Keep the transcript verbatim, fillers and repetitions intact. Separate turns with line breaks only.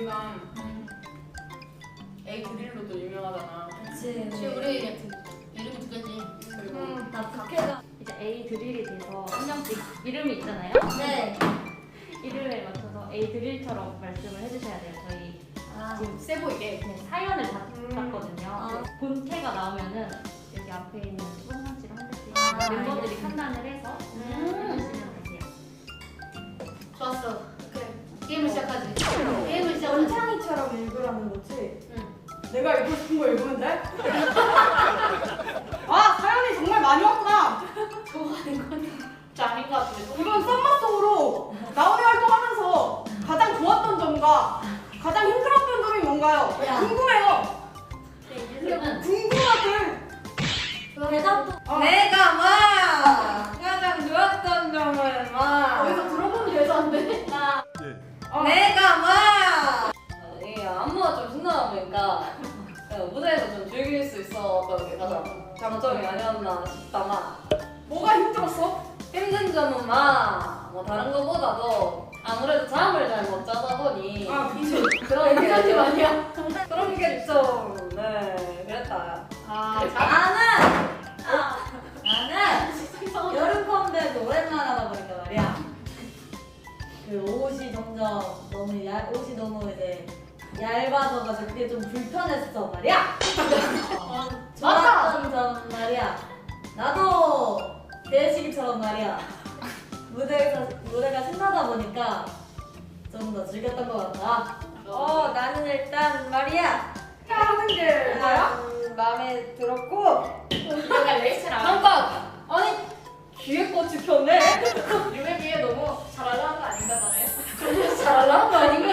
우리가 에이 드릴로도 유명하잖아.
그치.
혹시 우리 이름이 두 개지. 그리고
음, 나 국회가
이제 A 드릴이 돼서 한 명씩 이름이 있잖아요.
네.
이름에 맞춰서 A 드릴처럼 말씀을 해주셔야 돼요. 저희
아,
지금
세 보이게.
네, 사연을 다
음.
봤거든요.
아.
본캐가 나오면은 여기 앞에 있는 수범상씨랑 한대씩
아,
멤버들이
알겠습니다.
판단을 해서
음.
해주시면 되세요.
좋았어. 그래. 게임을 시작하지. 게임을 시작하지.
원창이처럼 읽으라는 거지?
응.
내가 읽고 싶은 거 읽으면 돼? 아 사연이 정말 많이 왔구나.
좋아하는 건 진짜 아닌 것 같은데.
이번 썸머 속으로 나오이 활동하면서 가장 좋았던 점과 가장 힘들었던 점이 뭔가요?
야.
궁금해요.
이제는
궁금하들.
대답도
어.
내가 막 가장 좋았던 점을 막
어디서 들어보는 대사인데?
나
어.
내가 막 이게 안무가 좀 신나다 보니까 무대에서 좀 즐길 수 있었던 게 가장 장점이 아니었나 싶다만
뭐가 힘들었어?
힘든 점은 막 뭐 다른 거보다도 아무래도 잠을 잘 못 자다 보니
아 그치.
그런 게
괜찮지
좀
아니야?
그런 게 좀 네 그랬다.
아,
나는 아, 나는 여름 컴백 오랜만에 하다 보니까 말이야. 그 옷이 점점 너무 얇 옷이 너무 이제 얇아져가지고 그게 좀 불편했어 말이야. 어, 좋았던 점 말이야. 나도 대식이처럼 말이야. 무대에서 무대가 신나다 보니까 좀 더 즐겼던 것 같다. 어 나는 일단 말이야.
하는 게 뭐야?
음, 마음에 들었고
내가 레이스랑
잠깐! 아니 뒤에 꽃이 폈네?
유메비에 너무 잘 알아한 거 아닌가 봐요?
잘하는 거 아닌가